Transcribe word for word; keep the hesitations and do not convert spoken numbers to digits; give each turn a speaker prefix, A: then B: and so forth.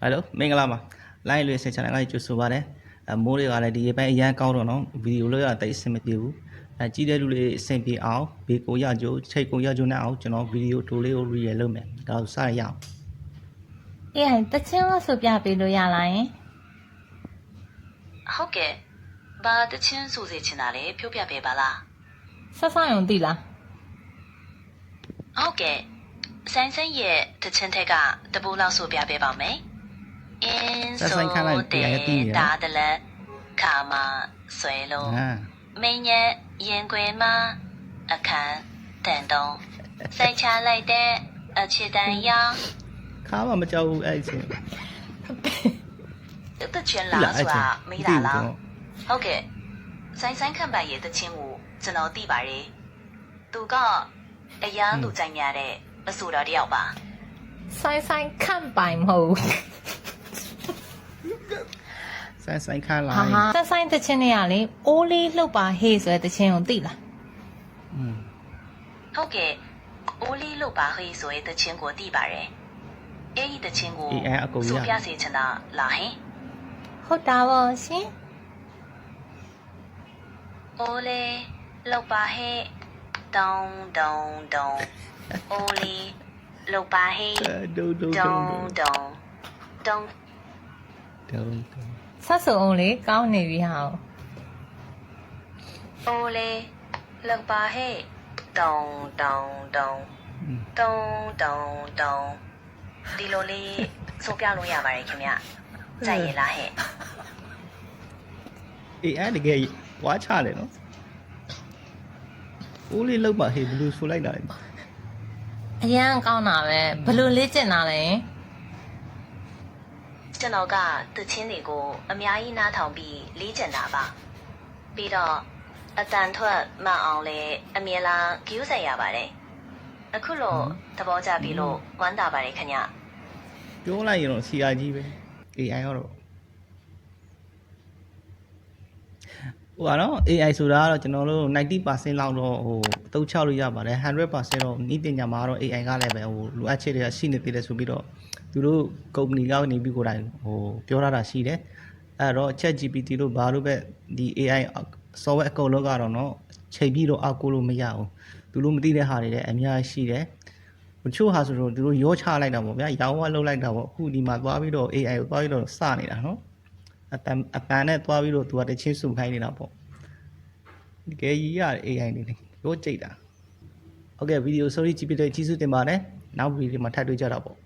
A: Hello မင်္ဂလာပါ line လေးဆက်ချင်တယ်ကြိုဆိုပါတယ်အမိုးတွေကလည်းဒီအပိုင်းအရန်ကောင်းတော့နော်ဗီဒီယိုလို့ရတာတိတ်အဆင်မပြေဘူးအဲကြည့်တဲ့လူတွေအဆင်ပြေအောင်ဘေးကိုရကြိုချိတ်ကိုရကြိုနဲ့အောင်ကျွန်တော်ဗီဒီယိုတိုလေးကို real လုပ်မယ်ဒါကိုစရအောင်
B: အေးဟိုတချင်းလို့ဆိုပြပေးလို့ရလားယင်
C: ဟုတ်ကဲ့ဘာတချင်းဆိုစေချင်တာလဲပြောပြပေးပါလား
B: ဆက်ဆောင်ရုံသိလား
C: ဟုတ်ကဲ့ဆိုင်ဆိုင်ရဲ့တချင်းထက်ကတပူလောက်ဆိုပြပေးပါမယ်အင်းဆိုတဲ့ဒါတလက်ခါမဆွဲလုံးမင်းရဲ့ရင်ခွေမှာအခန်းတန်တုံးစိုက်ချလိုက်တဲ့အချစ်တန်ရောင်
A: ခါမမကြောက်ဘူးအဲ့ချင်း
C: တချင်းလားဆိုတာမေးတာလားဟုတ်ကဲ့ဆိုင်ဆိုင်ခံပါရဲ့တချင်းကိုကျွန်တော်သိပါတယ်သူကအရန်သူကြိုင်ရတဲ့အဆိုတော်တယောက်ပါ
B: ဆိုင်ဆိုင်ခံပိုင်မဟုတ်
A: ဆိုင်ဆိုင်ခါလာ
B: ဆိုင်ဆိုင်တချင်းတွေကလေအိုးလေးလှုပ်ပါဟေးဆိုတဲ့တချင်းကိုသိလား
A: อืม
C: ဟုတ်ကဲ့အိုးလေးလှုပ်ပါဟေးဆိုတဲ့တချင်းကိုသိပါတယ်အဲ့ဒီတချင်းကိုဆိုပြစေချင်တာလားဟင်
B: ဟုတ်တာပါရှင်
C: အိုးလေးလှုပ်ပါဟေးတုံတုံတုံအိုးလေးလှုပ်ပါဟေး
A: တုံတုံ
C: တုံတုံတုံ
A: တုံ
B: ဆက်စုံအောင်လေကောင်းနေပြီဟာ
C: အိုးလေးလှုပ်ပါဟေးတုံတုံတုံတုံတုံတုံဒီလိုလေးဆိုပြလို့ရပါတယ်ခင်ဗျကြိုက်ရလားဟဲ့
A: အေးအဲ့တကယ်ဝါချတယ်နော်အိုးလေးလောက်ပါဟေးဘယ်လိုဆိုလိုက်တာလဲ
B: အရန်ကောင်းတာပဲဘယ်လိုလေ့ကျင့်တာလဲ
C: ကျွန်တော်ကတချင်းတွေကိုအများကြီးနားထောင်ပြီးလေ့ကျင့်တာပါပြီးတော့အတန်ထွက်မှအောင်လဲအမြဲတမ်းကြိုးစားရပါတယ်အခုလို့သဘောကျပြီလို့ဝမ်းသာပါတယ်ခင်ဗျ
A: ပြောလိုက်ရင်တော့ စီ အာ ကြီးပဲ အေး အိုင် ရောတော့ဟိုကတော့ အေး အိုင် ဆိုတာကတော့ကျွန်တော်တို့ ninety percent လောက်တော့ဟိုအသုံးချလို့ရပါတယ်one hundred percent တော့ဤပညာမှာတော့ အေး အိုင် ကလည်းပဲဟိုလိုအပ်ချက်တွေကရှိနေသေးတယ်ဆိုပြီးတော့သူတို့ company ကနေပြီးကိုယ်တိုင်ဟိုပြောထားတာရှိတယ်အဲ့တော့ Chat ဂျီ ပီ တီ လို့ဘာလို့ပဲဒီ အေး အိုင် software အကုန်လုံးကတော့เนาะချိန်ပြီးတော့အောက်ကိုလို့မရဘူးသူတို့မသိတဲ့ဟာတွေလည်းအများကြီးရှိတယ်တချို့ဟာဆိုတော့သူတို့ရောချလိုက်တာပေါ့ဗျာရောင်းဝလှုပ်လိုက်တာပေါ့အခုဒီမှာသွားပြီးတော့ အေး အိုင် ကိုသွားပြီးတော့စနေတာเนาะအတန်အပန်နဲ့သွားပြီးတော့သူကတချင်းစုခိုင်းနေတာပေါ့ဒီကဲကြီးရ အေး အိုင် နေရောကြိတ်တာဟုတ်ကဲ့ဗီဒီယို sorry ကြည့်ပြတဲ့ကျေးဇူးတင်ပါတယ်နောက်ဗီဒီယိုမှာထပ်တွေ့ကြတာပေါ့